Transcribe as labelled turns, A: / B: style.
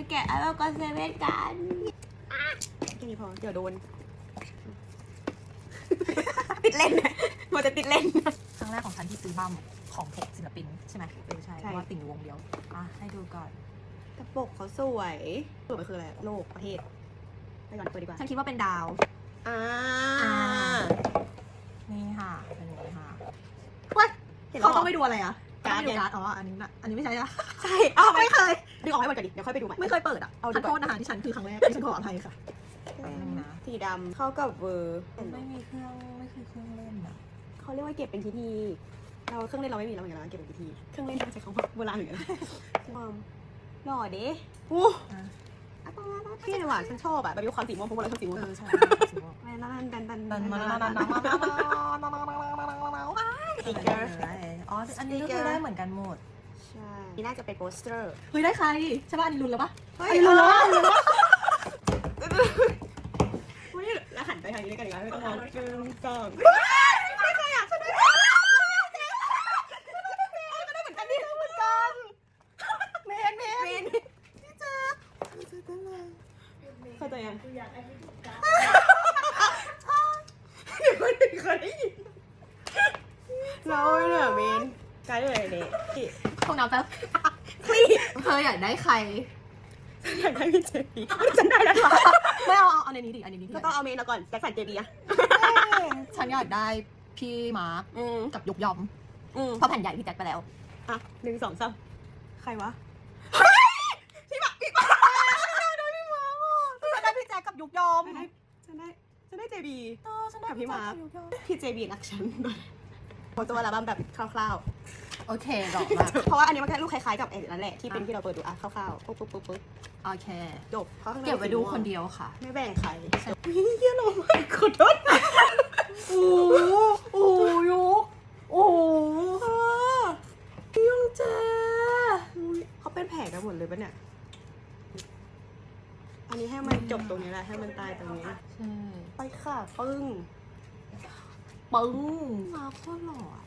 A: แกะแล้วก็เซเว่นกันแค่นี้พอเดี๋ยวโดน ติดเล่นมันจะติดเล่น
B: ครั้งแรกของฉันที่ซื้อบัมของเพจศิลปินใช่ไหมใช่เพ
A: ใช่
B: ราะว่าติ่งอยู่วงเดียวให้ดูก่อน
A: กระปกเขาสวยสวยมันคืออะไรโลกประเทศไปก่อนเปิดดีกว่า
B: ฉันคิดว่าเป็นดาวนี่ค่ะเป็นอย่างนี้ค่ะเขาต้องไปดูอะไรอ่ะการ์ดอ๋ออันนี้ไม่ใช่อะ
A: ใช่อ้าวไม่เคยดึงออกให้หมดก่อนดิเดี๋ยวค่อยไปดูใหม่
B: ไม่เคยเปิดอ่ะ
A: เอา
B: ขอโทษนะคะที่ฉันคือครั้งแรกที่ฉันขออภัยค่ะแป๊บนึงนะ
A: สีดำเข้ากับเวอร์
B: ไม่มีเครื่องเล่นอ่ะ
A: เขาเรียกว่าเก็บเป็นพิธีเราเครื่องเล่นเราไม่มีแล้วเหมือนกันเราเก็บเป็นพิธีเครื่องเล่นใช้คำว่าโบราณเหมือนกันความหล่อเด้โอ้พี่เลยว่ะฉันชอบอ่ะแบบมีความสีม่วงเพราะว่าเราชอบสีม่วง
B: ใช่
A: สติ๊กเกอร์
B: อ๋ออันนี้ก็คือได้เหมือนกันหมด
A: ใช่นี่น่าจะเป็นโปสเตอร์
B: เฮ้ยได้ใครใช่ป่ะอันนี้ลุ้นแล้วป่ะ
A: เฮ้ยรู้แล้วแล้วหันไปทางนี้ด้วยกันอีกแล้วไม่ต้องมองจึงจ้องไม่ใครอ่ะฉันได้เหมือนกันนี่เหมือนกันเมนพี่เจอเข้าใจยังเดี๋ยวคนอื่นเขาได้ยินเราเนี่ยเมนกลายเป็นอะไรเนี่ย
B: พวกน้ำแป๊บ
A: คลีป
B: เธออยากได้ใคร
A: อยากได้พี่เจบีฉันได้แล้วหรอ
B: ไม่เอาในนี้ดิอันนี้ดิ
A: ก็ต้องเอาเมนแล้วก่อนแจ็คสันเจบีอะ
B: ฉันอยากได้พี่มาร์คกับยกยอมเพราะแผ่นใหญ่พี่แจ็คไปแล้ว
A: อ่ะ1 2 3ใครวะพี่มาได้พี่มา
B: ฉันได้พี่แจ็คกับยกยอม
A: ฉันได้เจบี
B: ฉันได้
A: กับพี่มาร์ค
B: ยกยอม
A: พี่เจบีรักฉันโมตัวอัลบั้มแบบคร่าว
B: โอเคดอกมา
A: ๆเพราะว่าอันนี้มันแค่ลูกคล้ายๆกับไอ้นั่นแหละที่เป็นที่เราเปิดดูอ่ะคร่าวๆปุ๊บ
B: โอเค
A: จบเพราะข้างใน
B: เก็บไว้ดูคนเดียวค่ะ
A: ไม่แบ่งใครเฮียโลมากขอโทษ
B: โอ้ยกโอ้ยงเจ
A: เขาเป็นแผลกันหมดเลยปะเนี่ยอันนี้ให้มันจบตรงนี้แหละให้มันตายตรงนี้
B: ใช่
A: ไปค่ะปึ้ง
B: ปึ้งมาโคตรหล่อ